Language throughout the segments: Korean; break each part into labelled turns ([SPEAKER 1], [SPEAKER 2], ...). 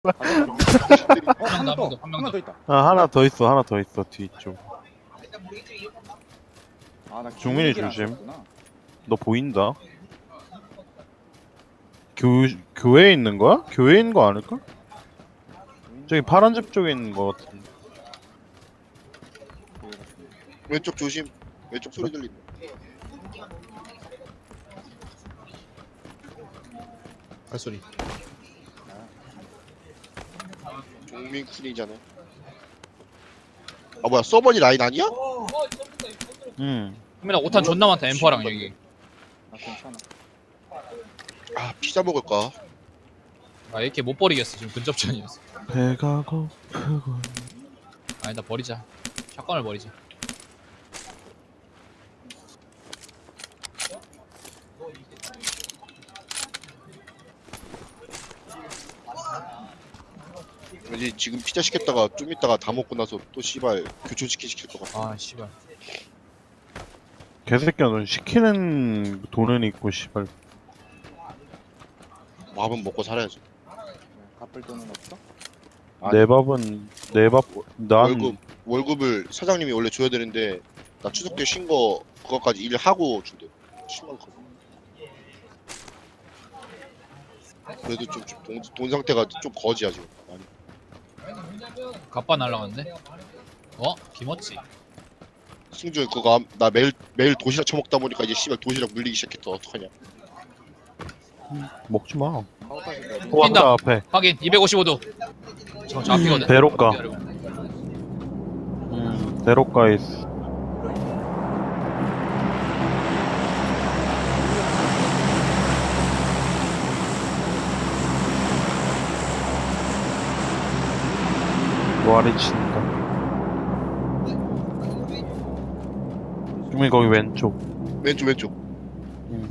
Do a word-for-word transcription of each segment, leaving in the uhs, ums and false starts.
[SPEAKER 1] 어, 한 명 더, 한 명 더 있다.
[SPEAKER 2] 아 하나 더 있어 하나 더 있어 뒤쪽.
[SPEAKER 1] 아, 나
[SPEAKER 2] 종민이
[SPEAKER 1] 기울기를 안
[SPEAKER 2] 조심.
[SPEAKER 1] 썼구나.
[SPEAKER 2] 너 보인다. 교 교회에 있는 거야? 교회에 있는 거 아닐까? 저기 파란 집 쪽에 있는 거 같은데.
[SPEAKER 3] 왼쪽 조심. 왼쪽 소리 들린다.
[SPEAKER 4] 발소리.
[SPEAKER 3] 종민쿤이잖아. 아 뭐야 서버니 라인 아니야?
[SPEAKER 2] 응.
[SPEAKER 4] 형민아 오탄 존나 많다 엠퍼랑 여기.
[SPEAKER 1] 아, 괜찮아.
[SPEAKER 3] 아 피자 먹을까?
[SPEAKER 4] 아 이렇게 못 버리겠어 지금 근접전이었어.
[SPEAKER 2] 배가 고프고.
[SPEAKER 4] 아니다 버리자. 샷건을 버리자.
[SPEAKER 3] 왠지 지금 피자 시켰다가 좀 있다가 다 먹고 나서 또 씨발 교촌치킨 시킬 것 같아.
[SPEAKER 4] 아 씨발.
[SPEAKER 2] 개새끼야 넌 시키는 돈은 있고 씨발.
[SPEAKER 3] 밥은 먹고 살아야지.
[SPEAKER 1] 갚을 돈은 없어?
[SPEAKER 3] 아니.
[SPEAKER 2] 내 밥은 내밥난
[SPEAKER 3] 월급 월급을 사장님이 원래 줘야 되는데 나 추석 때 쉰 거 그거까지 일하고 준대. 심한 거. 그래도 좀 돈 돈 상태가 좀 거지야 지금. 많이.
[SPEAKER 4] 갑바 날라갔네. 어? 김어치.
[SPEAKER 3] 승준 그거 암- 나 매일 매일 도시락 처먹다 보니까 이제 씨발 도시락 물리기 시작했다. 어떡하냐?
[SPEAKER 2] 먹지 마.
[SPEAKER 1] 카우파시 몇
[SPEAKER 2] 또
[SPEAKER 4] 뛴다.
[SPEAKER 2] 왔다 앞에.
[SPEAKER 4] 확인 이백오십오 도. 저, 저 앞이거든.
[SPEAKER 2] 대로가.
[SPEAKER 4] 기다려.
[SPEAKER 2] 음 대로가에 있어. 노아리 친다. 주민 거기 왼쪽.
[SPEAKER 3] 왼쪽 왼쪽.
[SPEAKER 2] 음.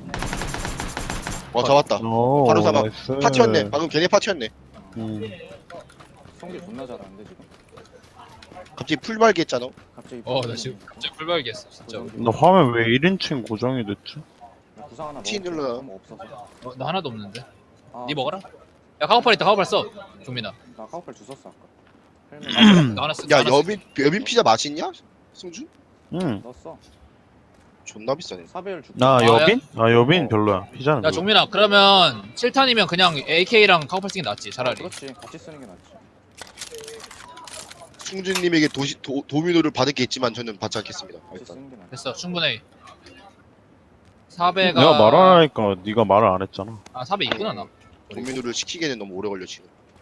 [SPEAKER 3] 어 잡았다.
[SPEAKER 2] 오,
[SPEAKER 3] 바로 잡아.
[SPEAKER 2] 나이스.
[SPEAKER 3] 파티였네. 방금 걔네 파티였네.
[SPEAKER 2] 음.
[SPEAKER 1] 성기 존나 잘하는데 지금.
[SPEAKER 3] 갑자기 풀발기 했잖아.
[SPEAKER 1] 갑자기.
[SPEAKER 4] 어 나 지금 갑자기 풀발기했어 진짜.
[SPEAKER 2] 너 화면 왜 일 인칭 고정이 됐지?
[SPEAKER 1] 구상 하나
[SPEAKER 3] 티
[SPEAKER 1] 먹어.
[SPEAKER 3] 눌러요.
[SPEAKER 1] 너무 없어서.
[SPEAKER 4] 어, 나 하나도 없는데.
[SPEAKER 1] 아,
[SPEAKER 4] 니 먹어라. 야 카우팔 있다 카우팔 써. 종민아.
[SPEAKER 1] 나 카우팔 주웠어 아까. 헬멧
[SPEAKER 4] 나 하나 쓰.
[SPEAKER 3] 야
[SPEAKER 4] 하나 쓰-
[SPEAKER 3] 여빈 여빈 피자 맛있냐? 승준?
[SPEAKER 2] 응.
[SPEAKER 1] 넣었어.
[SPEAKER 3] 존나 비싸네.
[SPEAKER 1] 사배율 줄게.
[SPEAKER 2] 나
[SPEAKER 4] 아,
[SPEAKER 2] 여빈? 아 여빈
[SPEAKER 1] 어.
[SPEAKER 2] 별로야. 피자는
[SPEAKER 4] 야
[SPEAKER 2] 별로.
[SPEAKER 4] 종민아 그러면 칠 탄이면 그냥 에이케이랑 카우팔 쓰는 게 낫지 차라리.
[SPEAKER 1] 그렇지. 같이 쓰는 게 낫지.
[SPEAKER 3] 승준님에게 도시 도, 도미노를 받을 게 있지만 저는 받지 않겠습니다.
[SPEAKER 1] 같이
[SPEAKER 3] 일단
[SPEAKER 1] 쓰는 게 낫지.
[SPEAKER 4] 됐어 충분해. 사배가.
[SPEAKER 2] 내가 말을 안 하니까 네가 말을 안 했잖아.
[SPEAKER 4] 아 사배 있구나 나.
[SPEAKER 3] 도미노를 시키기에는 너무 오래 걸려 지금.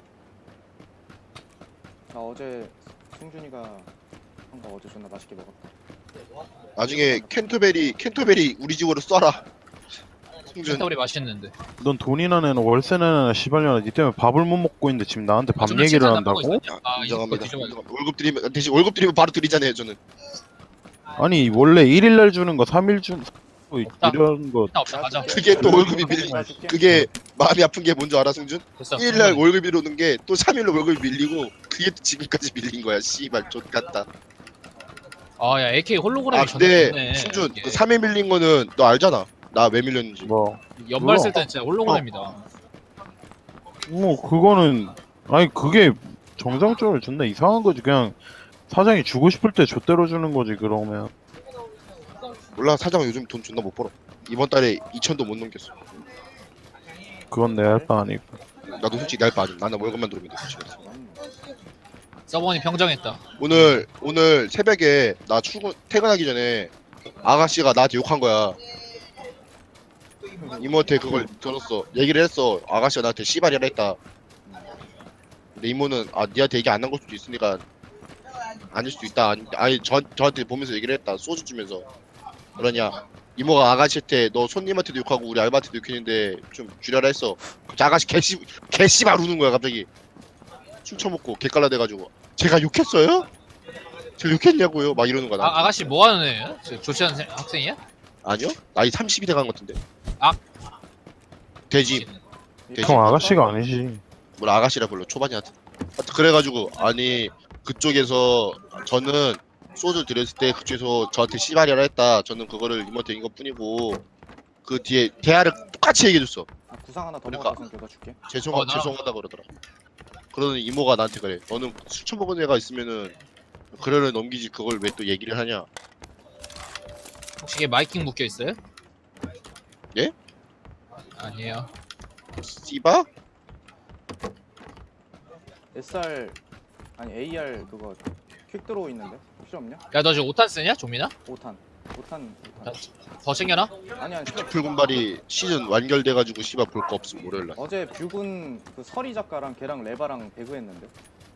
[SPEAKER 1] 나 어제 승준이가 한 거 어제 존나 맛있게 먹었다.
[SPEAKER 3] 나중에 캔터베리 캔터베리 우리 집으로 쏴라. 승준.
[SPEAKER 4] 펜타블이 맛있는데.
[SPEAKER 2] 넌 돈이나 내는 월세 내는 시발년아 니 때문에 밥을 못 먹고 있는데 지금 나한테 밥
[SPEAKER 4] 아,
[SPEAKER 2] 얘기를
[SPEAKER 4] 칠탄
[SPEAKER 2] 한다고?
[SPEAKER 4] 남고 있어. 아 이거
[SPEAKER 3] 인정합니다.
[SPEAKER 4] 뒤져봐야 돼.
[SPEAKER 3] 인정합니다. 월급 드리면 대신 월급 드리면 바로 드리잖아요 저는.
[SPEAKER 2] 아니 원래 일 일 날 주는 거 삼 일 주
[SPEAKER 4] 없다.
[SPEAKER 2] 이런 거
[SPEAKER 4] 일단 없다 가자.
[SPEAKER 3] 그게 또 월급이 밀리.
[SPEAKER 1] 줄게.
[SPEAKER 3] 그게 마음이 아픈 게 뭔지 알아 승준?
[SPEAKER 4] 됐어.
[SPEAKER 3] 일 일 날 월급이 오는 게 또 삼 일로 월급이 밀리고 그게 또 지금까지 밀린 거야. 씨발 좆 같다.
[SPEAKER 4] 아야 에이케이 홀로그램이
[SPEAKER 3] 아
[SPEAKER 4] 존나
[SPEAKER 3] 근데
[SPEAKER 4] 좋네.
[SPEAKER 3] 승준
[SPEAKER 4] 이게.
[SPEAKER 3] 그 삼 일 밀린 거는 너 알잖아. 나 왜 밀렸는지.
[SPEAKER 2] 뭐.
[SPEAKER 4] 연말
[SPEAKER 2] 그거.
[SPEAKER 4] 쓸 때는 진짜 홀로그램이다.
[SPEAKER 2] 뭐 그거는 아니 그게 정상적으로 존나 이상한 거지. 그냥 사장이 주고 싶을 때 줬대로 주는 거지 그러면.
[SPEAKER 3] 몰라 사장은 요즘 돈 존나 못 벌어. 이번 달에 이천도 못 넘겼어.
[SPEAKER 2] 그건 내 할 바 아니고.
[SPEAKER 3] 나도 솔직히 날 빠짐. 나는 월급만 들어오면 돼. 솔직히.
[SPEAKER 4] 서버니 평정했다.
[SPEAKER 3] 오늘 오늘 새벽에 나 출근 퇴근하기 전에 아가씨가 나한테 욕한 거야. 이모한테 그걸 들었어. 얘기를 했어. 아가씨가 나한테 씨발이라 했다. 근데 이모는 아 니한테 얘기 안 한 걸 수도 있으니까 아닐 수도 있다. 아니, 아니 저 저한테 보면서 얘기를 했다. 소주 주면서 그러냐. 이모가 아가씨한테 너 손님한테도 욕하고 우리 알바한테도 욕했는데 좀 줄여라 했어. 갑자기 아가씨 개씨 개씨발 우는 거야 갑자기. 술 처먹고 개깔라 돼가지고 제가 욕했어요? 제가 욕했냐고요? 막 이러는 거야.
[SPEAKER 4] 아,
[SPEAKER 3] 나한테.
[SPEAKER 4] 아가씨 뭐 하는 애야? 저 조치한 생- 학생이야?
[SPEAKER 3] 아니요? 나이 삼십이 돼간 것 같은데.
[SPEAKER 4] 아.
[SPEAKER 3] 돼지.
[SPEAKER 2] 형 아가씨가 아니지.
[SPEAKER 3] 뭘 아가씨라 불러 초반이한테. 하여튼 그래가지고 아니 그쪽에서 저는 소주 드렸을 때 그쪽에서 저한테 씨발이라 했다. 저는 그거를 이모한테 인것 뿐이고 그 뒤에 대화를 똑같이 얘기해줬어.
[SPEAKER 1] 아, 구상 하나 더
[SPEAKER 3] 그러니까.
[SPEAKER 1] 먹어서 내가 줄게.
[SPEAKER 3] 죄송
[SPEAKER 4] 어, 나랑-
[SPEAKER 3] 죄송하다 그러더라. 그러는 이모가 나한테 그래. 너는 술 처먹은 애가 있으면은 그래를 넘기지 그걸 왜 또 얘기를 하냐.
[SPEAKER 4] 혹시 이게 마이킹 묶여 있어요?
[SPEAKER 3] 예?
[SPEAKER 4] 아니에요.
[SPEAKER 3] 씨바?
[SPEAKER 1] 에스알 아니 에이알 그거 퀵 들어오 있는데 필요 없냐?
[SPEAKER 4] 야 너 지금 오탄 쓰냐? 종민아?
[SPEAKER 1] 오 탄 오 탄 오 탄
[SPEAKER 4] 더 챙겨놔?
[SPEAKER 1] 아니 아니 필요
[SPEAKER 3] 풀군발이 시즌 완결돼가지고 씨바 볼 거 없음 월요일날.
[SPEAKER 1] 어제 뷰군 그 서리 작가랑 걔랑 레바랑 배그했는데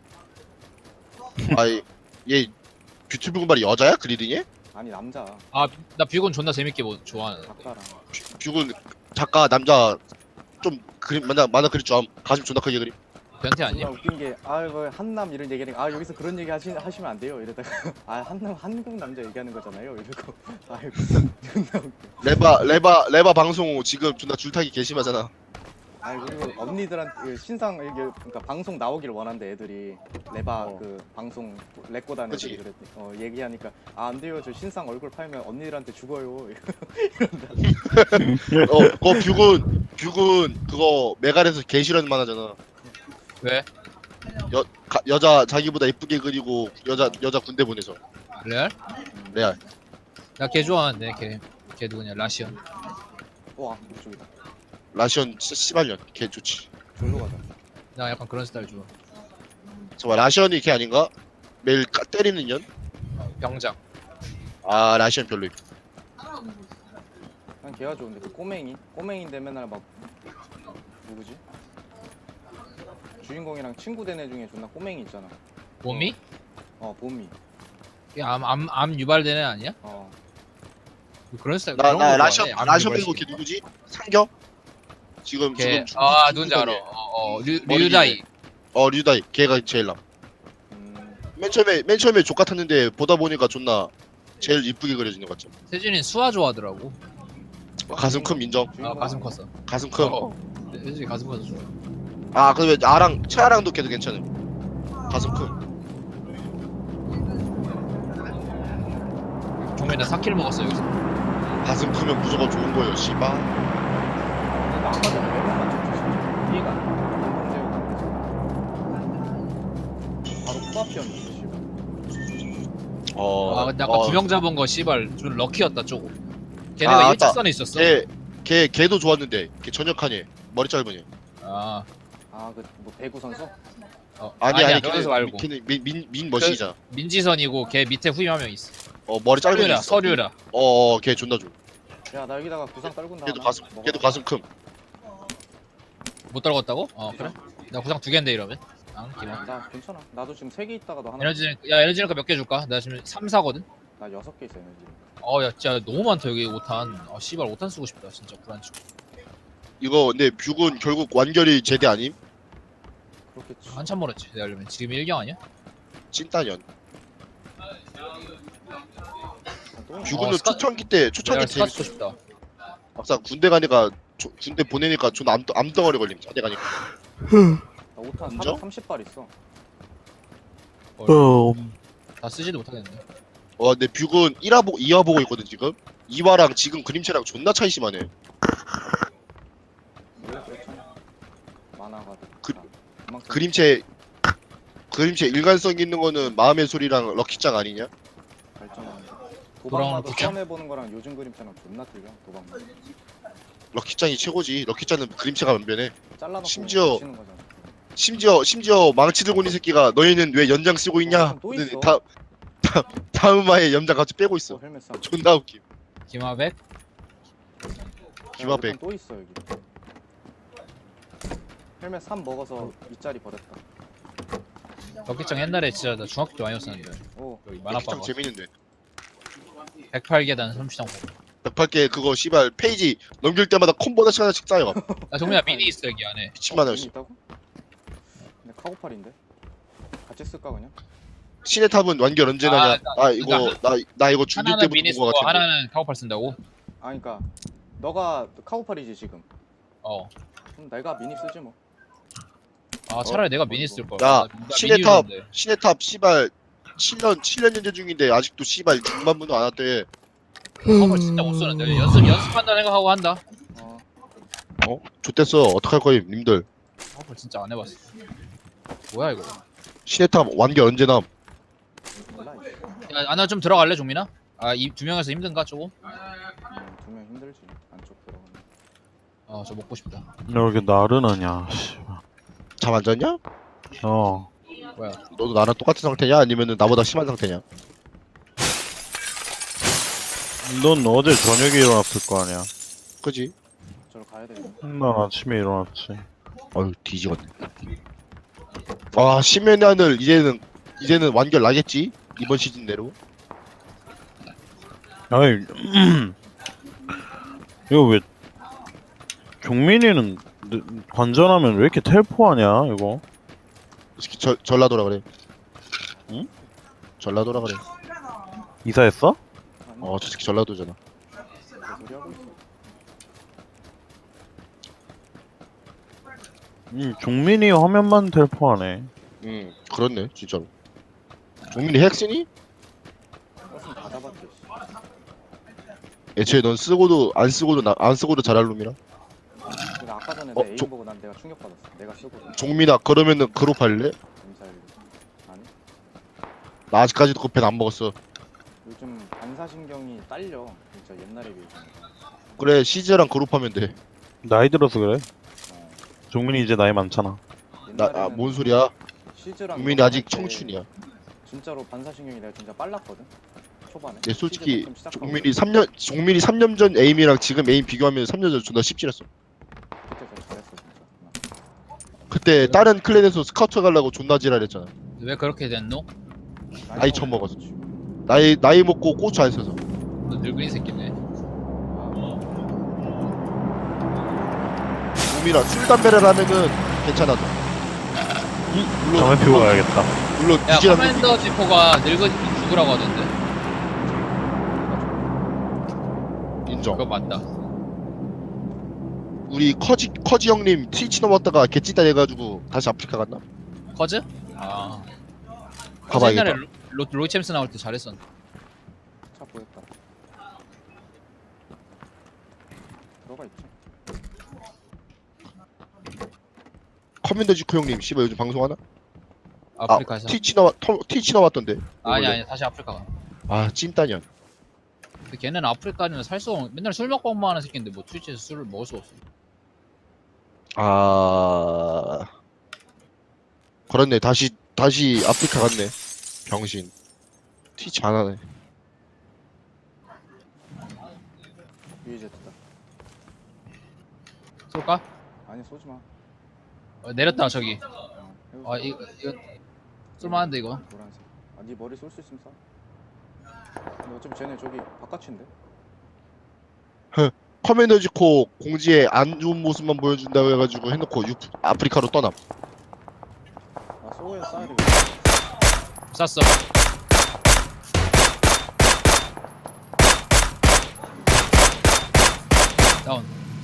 [SPEAKER 3] 아이 얘 뷰티 풀군발이 여자야? 그리딩에?
[SPEAKER 1] 아니 남자
[SPEAKER 4] 아나 뷰건 존나 재밌게 뭐, 좋아하는.
[SPEAKER 1] 작가랑
[SPEAKER 3] 뷰군 작가 남자 좀 그림 만나 만화 그릴 줄 암. 가슴 존나 크게 그림.
[SPEAKER 4] 변태
[SPEAKER 1] 존나
[SPEAKER 4] 아니야?
[SPEAKER 1] 웃긴 게 아이고 한남 이런 얘기하니까 아 여기서 그런 얘기 하시, 하시면 안 돼요 이러다가 아 한남 한국 남자 얘기하는 거잖아요 이러고 아이고 존나 웃겨
[SPEAKER 3] 레바 레바 레바 방송 지금 존나 줄타기 개심하잖아.
[SPEAKER 1] 아이 그리고 언니들한테 그 신상 이게 그러니까 방송 나오길 원한대 애들이 레바
[SPEAKER 3] 어.
[SPEAKER 1] 그 방송 레꼬단
[SPEAKER 3] 그치.
[SPEAKER 1] 애들이 그랬대 어 얘기하니까 아 안 돼요 저 신상 얼굴 팔면 언니들한테 죽어요
[SPEAKER 3] 어 그거 뷰군 뷰군 그거 메갈에서 개 싫어하는 만화잖아.
[SPEAKER 4] 왜?
[SPEAKER 3] 여 가, 여자 자기보다 예쁘게 그리고 여자 여자 군대 보내서
[SPEAKER 4] 레알?
[SPEAKER 3] 레알.
[SPEAKER 4] 나 걔 좋아하는데 걔. 걔 누구냐? 라시언.
[SPEAKER 1] 와 이쪽이다
[SPEAKER 3] 라시언 진짜 씨발년 개 좋지.
[SPEAKER 1] 절로 가자
[SPEAKER 4] 나 약간 그런 스타일 좋아.
[SPEAKER 3] 잠깐 라시언이 걔 아닌가? 매일 까, 때리는 년?
[SPEAKER 4] 병장.
[SPEAKER 3] 아 라시언 별로임.
[SPEAKER 1] 난 걔가 좋은데 그 꼬맹이 꼬맹인데 맨날 막 누구지? 주인공이랑 친구 된 애 중에 존나 꼬맹이 있잖아
[SPEAKER 4] 몸이?
[SPEAKER 1] 어 봄이
[SPEAKER 4] 암암암 암 유발된 애 아니야?
[SPEAKER 1] 어
[SPEAKER 4] 그런 스타일.
[SPEAKER 3] 나
[SPEAKER 4] 그런
[SPEAKER 3] 나
[SPEAKER 4] 거
[SPEAKER 3] 라시언
[SPEAKER 4] 좋아해. 암
[SPEAKER 3] 라시언
[SPEAKER 4] 유발시키는
[SPEAKER 3] 빼고 걔 누구지? 상겨? 지금
[SPEAKER 4] 걔,
[SPEAKER 3] 지금
[SPEAKER 4] 아
[SPEAKER 3] 중국-
[SPEAKER 4] 누군지 알아.
[SPEAKER 3] 중국이네.
[SPEAKER 4] 어어
[SPEAKER 3] 머리
[SPEAKER 4] 류다이.
[SPEAKER 3] 어 류다이 걔가 제일 남.
[SPEAKER 1] 음,
[SPEAKER 3] 맨 처음에 맨 처음에 족 같았는데 보다 보니까 존나 제일 이쁘게 그려지는 것 같죠.
[SPEAKER 4] 세준이 수아 좋아하더라고.
[SPEAKER 3] 가슴 큰 인정.
[SPEAKER 4] 아
[SPEAKER 1] 주인공.
[SPEAKER 4] 가슴 컸어.
[SPEAKER 3] 가슴 큰.
[SPEAKER 4] 어. 세준이 가슴 커서 좋아.
[SPEAKER 3] 아 그다음에 아랑 채아랑도 걔도 괜찮음. 가슴 큰.
[SPEAKER 4] 종민이 사 킬 먹었어 여기서.
[SPEAKER 3] 가슴 크면 무조건 좋은 거예요. 씨바.
[SPEAKER 1] 근데 아까 전에 외국 맞췄지 진짜 이해가 안돼 바로 코앞이었는데 씨발
[SPEAKER 3] 어.
[SPEAKER 4] 아 근데 아까
[SPEAKER 3] 어,
[SPEAKER 4] 두 명 잡은 거 씨발 좀 럭키였다 쪼고.
[SPEAKER 3] 아,
[SPEAKER 4] 걔네가
[SPEAKER 3] 맞다.
[SPEAKER 4] 일직선에 있었어.
[SPEAKER 3] 걔, 걔, 걔도 좋았는데, 걔 전역하니, 머리 짧으니.
[SPEAKER 4] 아
[SPEAKER 1] 아그 뭐 배구 선수?
[SPEAKER 4] 어.
[SPEAKER 3] 아니,
[SPEAKER 4] 아니야
[SPEAKER 3] 아니,
[SPEAKER 4] 그래서
[SPEAKER 3] 걔는,
[SPEAKER 4] 말고.
[SPEAKER 3] 걔는 민, 민, 민 머신이잖아.
[SPEAKER 4] 민지선이고 걔 밑에 후임 한 명 있어.
[SPEAKER 3] 어, 머리 짧은 애
[SPEAKER 4] 서류라
[SPEAKER 3] 있어.
[SPEAKER 4] 서류라.
[SPEAKER 3] 어, 어, 걔 존나 좋아.
[SPEAKER 1] 야 나 여기다가 구상 떨군다
[SPEAKER 3] 걔도
[SPEAKER 1] 하나?
[SPEAKER 3] 가슴,
[SPEAKER 1] 먹어.
[SPEAKER 3] 걔도 가슴 큼.
[SPEAKER 4] 못 떨궜다고? 어 그래? 나 구상 두 개인데 이러면. 아 기만.
[SPEAKER 1] 나 괜찮아 나도 지금 세 개 있다가도 하나
[SPEAKER 4] 에너지 야 에너지 링크 몇 개 줄까? 나 지금 삼, 사거든?
[SPEAKER 1] 나 여섯 개 있어 에너지
[SPEAKER 4] 어야 진짜 너무 많다 여기 오탄. 아 씨발 오탄 쓰고 싶다 진짜 불안치.
[SPEAKER 3] 이거, 근데 뷰군 결국 완결이 제대 아님?
[SPEAKER 1] 그렇겠지
[SPEAKER 4] 한참 멀었지 내가 알려면. 지금 일경 아니야?
[SPEAKER 3] 찐따년.
[SPEAKER 1] 아, 또
[SPEAKER 3] 뷰군은
[SPEAKER 4] 어, 스카-
[SPEAKER 3] 초창기 때, 초창기
[SPEAKER 4] 내가
[SPEAKER 3] 때
[SPEAKER 4] 스카 쓰고
[SPEAKER 3] 재밌어.
[SPEAKER 4] 싶다.
[SPEAKER 3] 막상 군대 가니까, 조- 군대 보내니까 존나 암, 암덩어리 걸림, 자대 가니까.
[SPEAKER 1] 나 오탄
[SPEAKER 3] 인정?
[SPEAKER 1] 사백삼십 발 있어
[SPEAKER 2] 어,
[SPEAKER 4] 다 쓰지도 못하겠네.
[SPEAKER 3] 어, 근데 뷰군 일 화 보고 이 화 보고 있거든, 지금? 이 화랑 지금 그림체랑 존나 차이 심하네.
[SPEAKER 1] 원래 그렇잖아 만화가
[SPEAKER 3] 그-
[SPEAKER 1] 다 그만큼
[SPEAKER 3] 그림체, 그림체 일관성 있는 거는 마음의 소리랑 럭키짱 아니냐?
[SPEAKER 1] 발전하는 거.
[SPEAKER 4] 돌아오는
[SPEAKER 1] 도박마도
[SPEAKER 4] 거죠?
[SPEAKER 1] 처음 해보는 거랑 요즘 그림처럼 존나 틀려 도박마
[SPEAKER 3] 럭키짱이 최고지. 럭키짱은 그림체가 변변해.
[SPEAKER 1] 잘라놓고
[SPEAKER 3] 심지어-
[SPEAKER 1] 치는 거잖아
[SPEAKER 3] 심지어 심지어 망치 들고 있는 새끼가 너희는 왜 연장 쓰고 있냐?
[SPEAKER 1] 어, 또 있어.
[SPEAKER 3] 다, 다 다음 화에 연장 같이 빼고
[SPEAKER 1] 어,
[SPEAKER 3] 있어.
[SPEAKER 1] 헬멧 사
[SPEAKER 3] 존나 웃김.
[SPEAKER 4] 김하백?
[SPEAKER 3] 김하백.
[SPEAKER 1] 또 있어 여기 헬멧 삼 먹어서 윗자리 버렸다
[SPEAKER 4] 럭키짱 옛날에 진짜 나 중학교 때 많이 썼는데
[SPEAKER 1] 오
[SPEAKER 4] 여기
[SPEAKER 3] 럭키짱
[SPEAKER 4] 만화방
[SPEAKER 3] 재밌는데.
[SPEAKER 4] 백팔 계단 삼시장
[SPEAKER 3] 백팔 개 그거 씨발 페이지 넘길 때마다 콤보 하나씩 하나씩 쌓여가.
[SPEAKER 4] 나 정민아 미니 있어 여기 안에.
[SPEAKER 3] 미친만
[SPEAKER 1] 어,
[SPEAKER 3] 원씩.
[SPEAKER 1] 있다고? 근데 카고팔인데? 같이 쓸까 그냥?
[SPEAKER 3] 신의 탑은 완결 언제
[SPEAKER 4] 아,
[SPEAKER 3] 나냐?
[SPEAKER 4] 나-
[SPEAKER 3] 나 이거
[SPEAKER 4] 그러니까
[SPEAKER 3] 나 나 이거 중계
[SPEAKER 4] 하나는
[SPEAKER 3] 때부터
[SPEAKER 4] 미니
[SPEAKER 3] 본 거
[SPEAKER 4] 쓰고
[SPEAKER 3] 같은데.
[SPEAKER 4] 하나는 카우팔 쓴다고?
[SPEAKER 1] 아 그니까 너가 카고팔이지 지금
[SPEAKER 4] 어.
[SPEAKER 1] 그럼 내가 미니 쓰지 뭐
[SPEAKER 4] 아 차라리
[SPEAKER 1] 어,
[SPEAKER 4] 내가
[SPEAKER 1] 뭐
[SPEAKER 4] 미니
[SPEAKER 1] 이거.
[SPEAKER 4] 쓸 걸.
[SPEAKER 3] 야,
[SPEAKER 4] 나
[SPEAKER 3] 신의
[SPEAKER 4] 미니
[SPEAKER 3] 탑.
[SPEAKER 4] 유저인데.
[SPEAKER 3] 신의 탑 씨발 칠 년 칠 년 연재 중인데 아직도 씨발 육만 분도 안 왔대.
[SPEAKER 4] 카우팔 진짜 못 쓰는데 연습 연습한다 생각하고 한다.
[SPEAKER 1] 어
[SPEAKER 3] 어? 좋댔어. 어떡할 거임 님들.
[SPEAKER 4] 카우팔 진짜 안 해봤어. 뭐야 이거?
[SPEAKER 3] 시네탑 완결 언제 남?
[SPEAKER 1] 몰라 이제.
[SPEAKER 4] 야, 아나 좀 들어갈래 종민아? 아 이 두 명에서 힘든가 조금?
[SPEAKER 1] 두명 힘들지 안쪽 들어가면.
[SPEAKER 4] 어 저 먹고 싶다.
[SPEAKER 2] 왜 이렇게 나른하냐, 씨발.
[SPEAKER 3] 잠 안 잤냐?
[SPEAKER 2] 어.
[SPEAKER 4] 뭐야?
[SPEAKER 3] 너도 나랑 똑같은 상태냐? 아니면은 나보다 심한 상태냐?
[SPEAKER 2] 넌 어제 저녁에 일어났을 거 아니야.
[SPEAKER 3] 그지?
[SPEAKER 1] 저로 가야 되겠네.
[SPEAKER 2] 난 아침에 일어났지.
[SPEAKER 3] 어휴 뒤지겠네. 아 심연의 하늘 이제는 이제는 완결 나겠지? 이번 시즌 내로.
[SPEAKER 2] 아이, 이거 왜, 종민이는 느- 관전하면 왜 이렇게 텔포하냐, 이거?
[SPEAKER 3] 이 새끼 절 전라도라 그래.
[SPEAKER 2] 응?
[SPEAKER 3] 전라도라 그래.
[SPEAKER 2] 이사했어?
[SPEAKER 1] 아니
[SPEAKER 3] 어 저 새끼 전라도잖아.
[SPEAKER 1] 개소리 하고 있어.
[SPEAKER 2] 음, 종민이 화면만 텔포하네.
[SPEAKER 3] 응 그렇네 진짜로. 종민이 핵쓰니?
[SPEAKER 1] 버스는 다 잡았지. 씨.
[SPEAKER 3] 애초에 넌 쓰고도 안 쓰고도 나, 안 쓰고도 잘할 놈이라.
[SPEAKER 1] 근데 아까 전에
[SPEAKER 3] 어,
[SPEAKER 1] 내 에임
[SPEAKER 3] 저-
[SPEAKER 1] 보고 난 내가 충격받았어. 내가 쓰고
[SPEAKER 3] 종민아 그러면은 그룹 할래?
[SPEAKER 1] 미사일. 아니
[SPEAKER 3] 나 아직까지도 그 펜 안 먹었어.
[SPEAKER 1] 요즘 반사신경이 딸려. 진짜 옛날에 비해서.
[SPEAKER 3] 그래 시즈랑 그룹 하면 돼.
[SPEAKER 2] 나이 들어서 그래.
[SPEAKER 1] 어,
[SPEAKER 2] 종민이 이제 나이 많잖아.
[SPEAKER 3] 나 뭔 소리야?
[SPEAKER 1] 시즈랑
[SPEAKER 3] 종민이
[SPEAKER 1] 이거
[SPEAKER 3] 아직
[SPEAKER 1] 할 때
[SPEAKER 3] 청춘이야.
[SPEAKER 1] 진짜로 반사신경이 내가 진짜 빨랐거든. 초반에.
[SPEAKER 3] 내 솔직히
[SPEAKER 1] 시즈 시작하고
[SPEAKER 3] 종민이 삼 년 종민이 삼 년 전 에임이랑 지금 에임 비교하면 삼 년 전 존나 씹질했어.
[SPEAKER 1] 그때 저 잘했어 진짜.
[SPEAKER 3] 그때 다른 클랜에서 스카우트 가려고 존나 지랄했잖아.
[SPEAKER 4] 왜 그렇게 됐노?
[SPEAKER 3] 나이 처먹었어. 나이 나이 먹고 고추 안 써서.
[SPEAKER 4] 너 늙은이 새끼네.
[SPEAKER 3] 종민아 술 담배를 하면은 괜찮아. 너. 물론
[SPEAKER 2] 담배 피우고 가야겠다.
[SPEAKER 3] 물론
[SPEAKER 4] 야
[SPEAKER 3] 이지란
[SPEAKER 4] 커맨더 지포가 늙은이 죽으라고 하던데.
[SPEAKER 3] 인정.
[SPEAKER 4] 그거 맞다.
[SPEAKER 3] 우리 커지 커지 형님 트위치 넘었다가 개찐다 해가지고 다시 아프리카 갔나?
[SPEAKER 4] 커즈? 아. 커즈
[SPEAKER 3] 가봐야겠다.
[SPEAKER 4] 옛날에 로, 로, 로이 챔스 나올 때 잘했었는데.
[SPEAKER 1] 차 보였다. 들어가 있지.
[SPEAKER 3] 커맨더 지코 형님 씨발 요즘 방송하나?
[SPEAKER 4] 아프리카에서.
[SPEAKER 3] 아, 트위치 나와 터, 트위치 나왔던데.
[SPEAKER 4] 아니
[SPEAKER 3] 원래.
[SPEAKER 4] 아니 다시 아프리카 가.
[SPEAKER 3] 아 찐따년.
[SPEAKER 4] 근데 걔는 아프리카는 살 수가 없. 맨날 술 먹방만 하는 새끼인데 뭐 트위치에서 술을 먹을 수가 없어.
[SPEAKER 3] 아 그렇네. 다시 다시 아프리카 갔네. 병신. 트위치 안 하네.
[SPEAKER 1] 유이제트다.
[SPEAKER 4] 쏠까?
[SPEAKER 1] 아니 쏘지 마.
[SPEAKER 4] 어, 내렸다 저기.
[SPEAKER 1] 어, 해보자.
[SPEAKER 4] 아 이거 이거 쏠만한데 이거.
[SPEAKER 1] 노란색. 아, 네 머리 쏠 수 있으면 쏴. 근데 어차피 쟤네 저기 바깥인데.
[SPEAKER 3] 커맨더 지코 공지에 안 좋은 모습만 보여준다고 해가지고 해놓고 유, 아프리카로 떠남.
[SPEAKER 1] 아 쏘야 쏴야 되겠다.
[SPEAKER 4] 쐈어. 다운.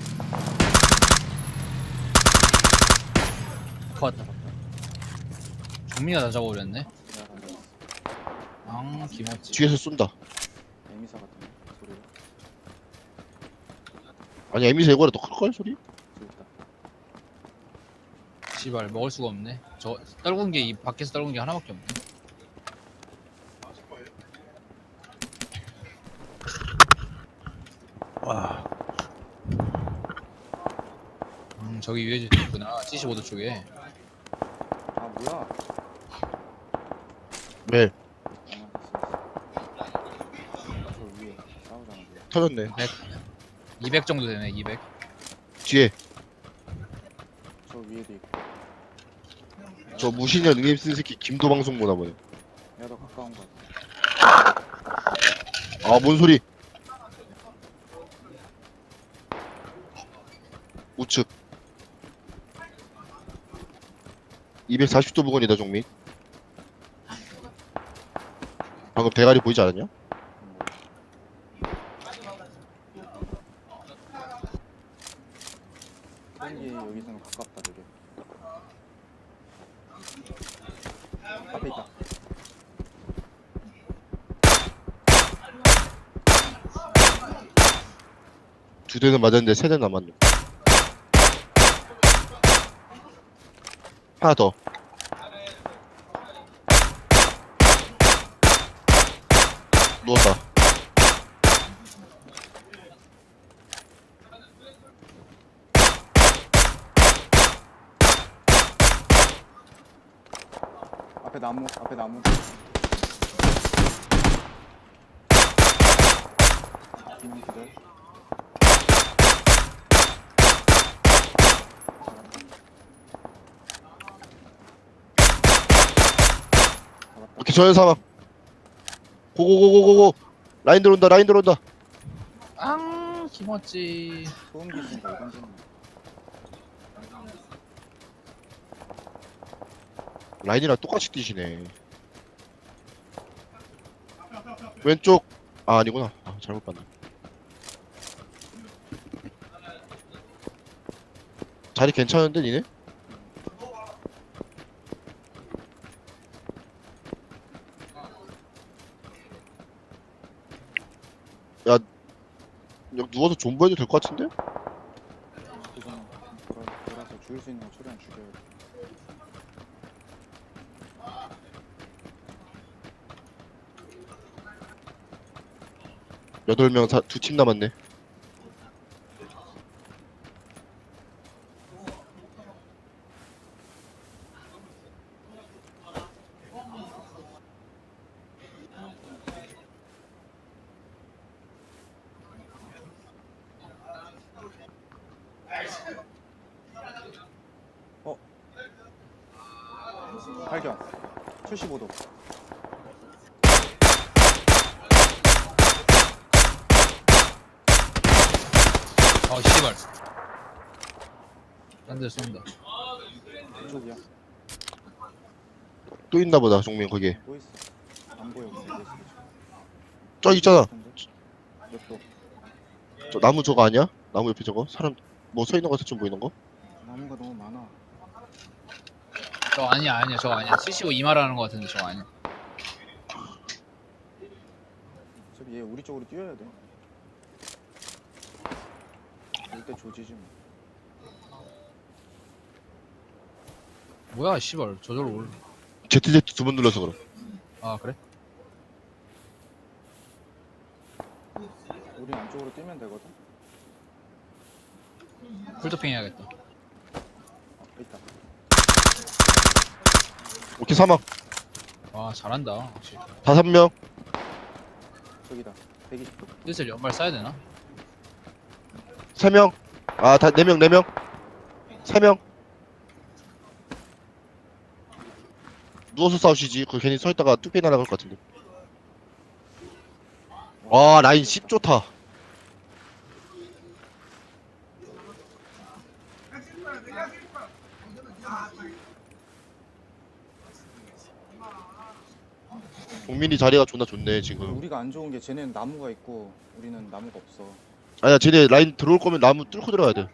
[SPEAKER 4] 컷. 종민이가 다 잡아버렸네.
[SPEAKER 1] 내가 던졌어.
[SPEAKER 4] 앙 김어치.
[SPEAKER 3] 뒤에서 쏜다.
[SPEAKER 1] 에미사 같은 소리가
[SPEAKER 3] 아니 에미사 이거라 더 클걸 소리?
[SPEAKER 1] 저기 있다.
[SPEAKER 4] 씨발 먹을 수가 없네. 저 떨군 게 이 밖에서 떨군 게 하나밖에 없네. 음 저기 위에 있구나. 칠십오 도 쪽에.
[SPEAKER 1] 아 뭐야?
[SPEAKER 3] 왜?
[SPEAKER 1] 아 됐어 됐어. 저 위에 싸우잖아. 위에.
[SPEAKER 3] 터졌네.
[SPEAKER 4] 이백 정도 되네. 이백.
[SPEAKER 3] 뒤에
[SPEAKER 1] 저 위에도 있고.
[SPEAKER 3] 저 무신년 응임 쓴 새끼 김도 방송 보나 보네.
[SPEAKER 1] 내가 더 가까운 거 같아.
[SPEAKER 3] 아 뭔 소리? 우측 이백사십 도 부근이다 종민. 방금 대가리 보이지 않았냐?
[SPEAKER 1] 땡기 여기서는 가깝다 되게. 앞에 있다.
[SPEAKER 3] 두 대는 맞았는데 세 대 남았네. 하나 더. 누웠다.
[SPEAKER 1] 앞에 나무 앞에 나무. 기능 기절.
[SPEAKER 3] 오케이 저연 사망. 고고고고고고. 라인 들어온다 라인 들어온다.
[SPEAKER 4] 앙 김었지.
[SPEAKER 1] 소음기 있으니까 이건 좀.
[SPEAKER 3] 라인이랑 똑같이 뛰시네. 왼쪽. 아 아니구나. 아 잘못 봤네. 자리 괜찮은데 니네? 야 여기 누워서 존버해도 될 것 같은데?
[SPEAKER 1] 우선 돌아 돌아서 죽일 수 있는 거 최대한 죽여야 돼.
[SPEAKER 3] 여덟 명 두 팀 남았네.
[SPEAKER 1] 발견. 칠십오 도.
[SPEAKER 4] 아 씨발. 딴 데 쏜다.
[SPEAKER 1] 이쪽이야.
[SPEAKER 3] 또 있나 보다 종민 거기에.
[SPEAKER 1] 또 있어. 안 보여. 근데 있어.
[SPEAKER 3] 저 있잖아.
[SPEAKER 1] 몇 도?
[SPEAKER 3] 저 나무 저거 아니야? 나무 옆에 저거? 사람 뭐 서 있는 거 같아 좀 보이는 거?
[SPEAKER 1] 나무가 너무 많아.
[SPEAKER 4] 저 아니야 아니야 저거 아니야. 칠십오 이마라는 거 같은데 저거 아니야.
[SPEAKER 1] 어차피 얘 우리 쪽으로 뛰어야 돼. 이때 조지지 뭐.
[SPEAKER 4] 뭐야 씨발 저절로 올.
[SPEAKER 3] 제트제트 두 번 눌러서 그럼.
[SPEAKER 4] 아 그래?
[SPEAKER 1] 우리 안쪽으로 뛰면 되거든.
[SPEAKER 4] 풀토핑 해야겠다.
[SPEAKER 1] 아, 있다.
[SPEAKER 3] 오케이 사망.
[SPEAKER 4] 와 잘한다 확실히.
[SPEAKER 3] 다섯 명.
[SPEAKER 1] 저기다. 백이십 도.
[SPEAKER 4] 슬슬 연발 쏴야 되나?
[SPEAKER 3] 세 명. 아, 다 네 명, 네 명. 세 명. 누워서 싸우시지. 그 괜히 서 있다가 뚝배기 날아갈 것 같은데. 와, 라인 십 좋다. 동민이 자리가 존나 좋네 지금.
[SPEAKER 1] 우리가 안 좋은 게 쟤네는 나무가 있고 우리는 나무가 없어.
[SPEAKER 3] 아니야, 쟤네 라인 들어올 거면 나무 뚫고 들어가야 돼.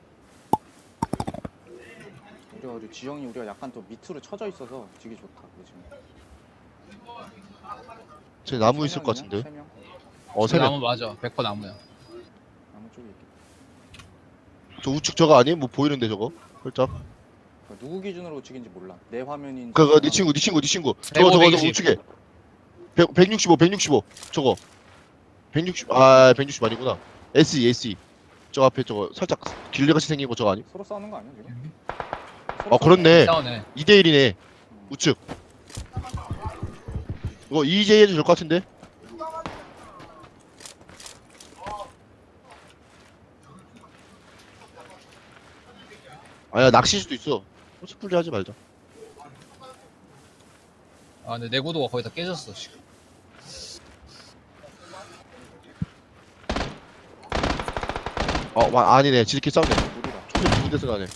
[SPEAKER 1] 우리가 우리 지형이 우리가 약간 또 밑으로 쳐져 있어서 되게 좋다. 지금.
[SPEAKER 3] 쟤 나무 있을 것 같은데.
[SPEAKER 1] 세 명?
[SPEAKER 3] 어, 세 명.
[SPEAKER 4] 나무 맞아. 백 퍼센트 나무야.
[SPEAKER 1] 나무 쪽에 있겠다.
[SPEAKER 3] 저 우측 저거 아니? 뭐 보이는데 저거? 살짝.
[SPEAKER 1] 그러니까 누구 기준으로 찍인지 몰라. 내 화면인.
[SPEAKER 3] 그거 네 친구, 네 친구, 네 친구. 저거 저거 저거 우측에. 백, 백육십오, 백육십오. 저거. 백육십. 아, 백육십 아니구나. 에스이, 에스이. 저 앞에 저거 살짝 길레같이 생긴 거 저거 아니?
[SPEAKER 1] 서로 싸우는 거 아니야 지금?
[SPEAKER 3] 아, 그렇네.
[SPEAKER 4] 싸우네.
[SPEAKER 3] 이 대 일이네. 우측. 이거 이제이 해도 될 것 같은데? 아야, 낚시일 수도 있어. 코스플레이 하지 말자.
[SPEAKER 4] 아 근데 내구도가 거의 다 깨졌어 지금.
[SPEAKER 3] 어, 와, 아니네. 지들끼리 싸우네.
[SPEAKER 1] 우리가
[SPEAKER 3] 총이 두 군데서 나네.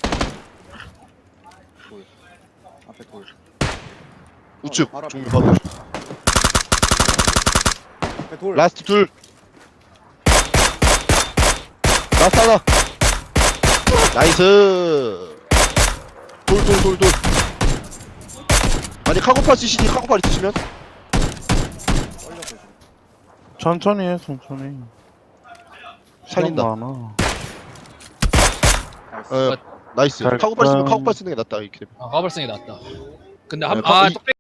[SPEAKER 1] 돌. 앞에 돌.
[SPEAKER 3] 우측.
[SPEAKER 1] 바로 앞에.
[SPEAKER 3] 종민 바로.
[SPEAKER 1] 앞에 돌.
[SPEAKER 3] 라스트 둘. 라스트 하나. 나이스. 돌, 돌, 돌, 돌. 아니, 카고팔 쓰시지, 카고팔 있으시면?
[SPEAKER 1] 떨려서 지금.
[SPEAKER 2] 천천히 해 천천히.
[SPEAKER 3] 살린다.
[SPEAKER 2] 시간 많아.
[SPEAKER 1] 나이스.
[SPEAKER 3] 어, 나이스.
[SPEAKER 2] 잘
[SPEAKER 3] 카고팔 쓰면
[SPEAKER 2] 가.
[SPEAKER 3] 카고팔 쓰는 게 낫다, 이렇게 되면.
[SPEAKER 4] 아 까불성이 낫다. 근데
[SPEAKER 3] 네,
[SPEAKER 4] 한,
[SPEAKER 3] 카-
[SPEAKER 4] 아
[SPEAKER 3] 이-
[SPEAKER 4] 뚝배기